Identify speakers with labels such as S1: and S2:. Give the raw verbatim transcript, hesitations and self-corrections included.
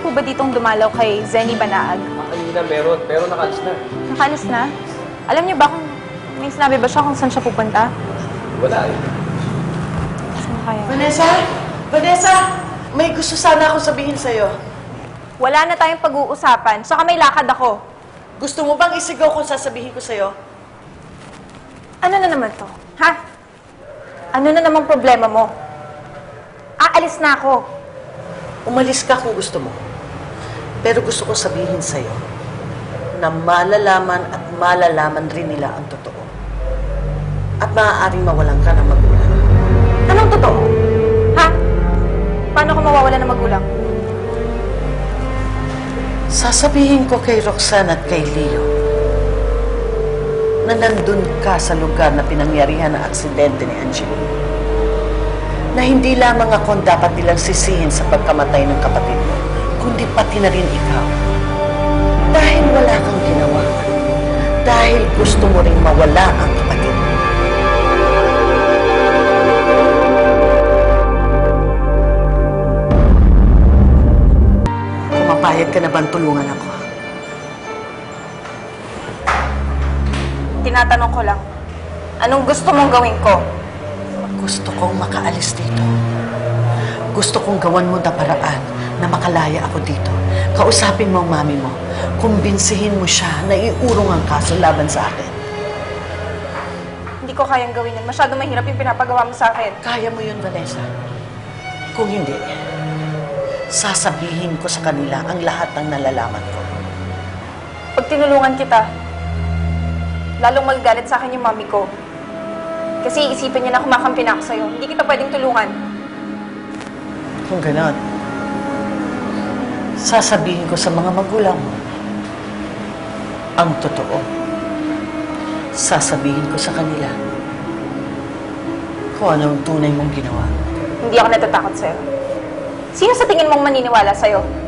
S1: po ba ditong dumalaw kay Zenny Banaag?
S2: Ah, kanina meron, pero nakalis na.
S1: Nakalis na? Alam niyo ba kung may sinabi ba siya kung saan siya pupunta?
S2: Wala eh.
S1: Saan kaya?
S3: Vanessa? Vanessa! May gusto sana akong sabihin sa'yo.
S1: Wala na tayong pag-uusapan. Saka may lakad ako.
S3: Gusto mo bang isigaw kung sasabihin ko sa'yo?
S1: Ano na naman to? Ha? Ano na namang problema mo? Aalis na ako.
S3: Umalis ka kung gusto mo. Pero gusto ko sabihin sa'yo na malalaman at malalaman rin nila ang totoo. At maaaring mawalan ka ng magulang.
S1: Anong totoo? Ha? Paano ko mawawala ng magulang?
S3: Sasabihin ko kay Roxanne at kay Leo na nandun ka sa lugar na pinangyarihan ng aksidente ni Angeline. Na hindi lamang ako ang dapat nilang sisihin sa pagkamatay ng kapatid mo, kundi pati na rin ikaw. Dahil wala kang ginawa. Dahil gusto mo ring mawala ang kapatid mo. Pumapayag ka na bang tulungan ako?
S1: Tinatanong ko lang. Anong gusto mong gawin ko?
S3: Gusto kong makaalis dito. Gusto kong gawan mo na paraan na makalaya ako dito. Kausapin mo ang mami mo. Kumbinsihin mo siya na iurong ang kaso laban sa akin.
S1: Hindi ko kayang gawin yan. Masyado mahirap yung pinapagawa mo sa akin.
S3: Kaya mo yun, Vanessa. Kung hindi, sasabihin ko sa kanila ang lahat ng nalalaman ko.
S1: Pag tinulungan kita, lalong magagalit sa akin yung mami ko. Kasi iisipin niya na kumakampi na ako sa'yo. Hindi kita pwedeng tulungan.
S3: Kung ganon, sasabihin ko sa mga magulang mo ang totoo. Sasabihin ko sa kanila kung ano ang tunay mong ginawa.
S1: Hindi ako natatakot sa'yo. Sino sa tingin mong maniniwala sa'yo?